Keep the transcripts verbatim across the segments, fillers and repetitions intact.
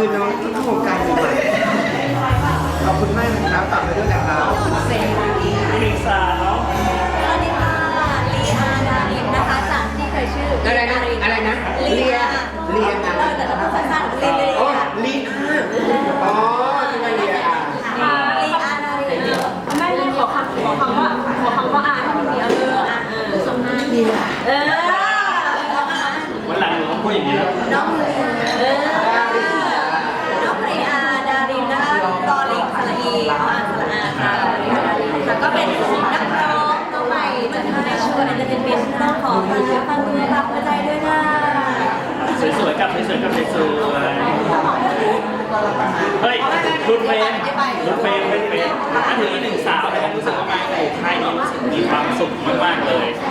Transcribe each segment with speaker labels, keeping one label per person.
Speaker 1: คือน้องเข้าวงการใหม่ขอบคุณมากนะครับฝากไปด้วยนะครับเซน
Speaker 2: ลิซาเนาะ
Speaker 3: สวัสดีค่ะลีอาดารินนะคะจากที่เคยชื่อ
Speaker 1: อะไรนะอะไรนะ
Speaker 3: ลี
Speaker 1: เลีย
Speaker 3: อา
Speaker 1: เลีย
Speaker 3: เอ
Speaker 1: นะ
Speaker 3: อแต่เราพูดสั้นๆลีลี
Speaker 1: อ๋อ
Speaker 3: ค่ะ
Speaker 1: ลีอาอ๋อที่มาเลียอา
Speaker 3: ลีอาดาริน
Speaker 4: ไม่ไม่ขอคำขอคำว่าขอคำว่าอ่านเดียวเอออ่ะเออสมมา
Speaker 1: เลีย
Speaker 4: เออ
Speaker 2: วันหลังหนูต้องพูดอย่างนี้แล้ว
Speaker 3: น้องลีเออน้องลีอาดารินนะคะตอลิงสระอีอ่านสระอาค่ะลีอาดารินค่ะก็เป็นนักร้องน้องใหม่จากทางในช่วงเอนเตอร์เทนเมนต์ต้องขอฟังเนื้อฟังตัวฝากหัวใจด้วยนะ
Speaker 2: สวยๆกับสวยๆกับสวยๆเฮ้ยรุ่นเฟรมรุ่นเฟรมเป็นเฟรมถ้าถึงอีกหนึ่งสาวเนี่ยผมรู้สึกว่ามาในค่ายนี้รู้สึกมีความสุขมากๆเลย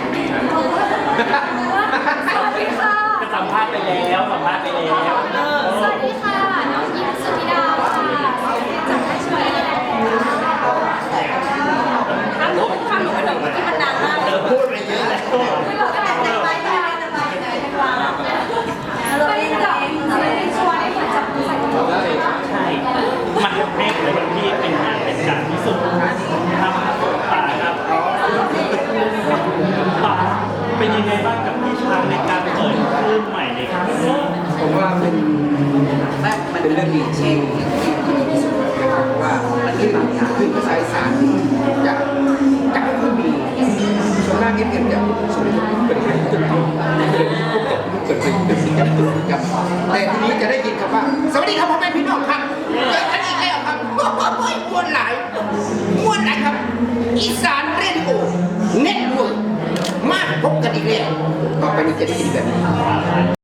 Speaker 4: สวัสดีค่ะ
Speaker 2: ก็สัมภาษณ์ไปแล้วสัมภาษณ์ไปแล้ว
Speaker 4: สวัสดีค่ะน้องหญิงสุธิดาค่ะจากให้ช่วยคำหนูคำหนูเป็นแบบที่มันดังมาก
Speaker 2: เธอพูดไปเยอะแล้ว
Speaker 4: ไม่บอกกันแต่ไปไปไปไปไปเป็นแบบเป็นชวนให้เหมือนจับมือใส่ถุง
Speaker 2: ใช่มันเพ่งเลยที่เป็นงานเป็นการที่สุดครับป่าครับป่าเป็นยังไงบ้างกับพี่ช้างในการเปิดคลื่นใหม่ในครั้งนี้
Speaker 1: ผมว่าเป็นเป็นเรื่องดีเช่นที่ที่สุดนะครับเพราะว่ามันขึ้นขึ้นภาษาอีสานจะจะไม่ค่อยมีส่วนมากเอ็มเอ็มจะส่วนเป็นเป็นจุดที่เป็นเป็นเป็นสิ่งที่ถูกจับแต่ทีนี้จะได้ยินคำว่าสวัสดีครับพ่อแม่พี่น้องครับเจอกันอีกแล้วครับโอ้ยม้วนหลายม้วนหลายครับ อีสานเรดิโอเน็ตเวิร์กมาพบกันอีกแล้วต่อไปนี้จะได้ยินแบบนี้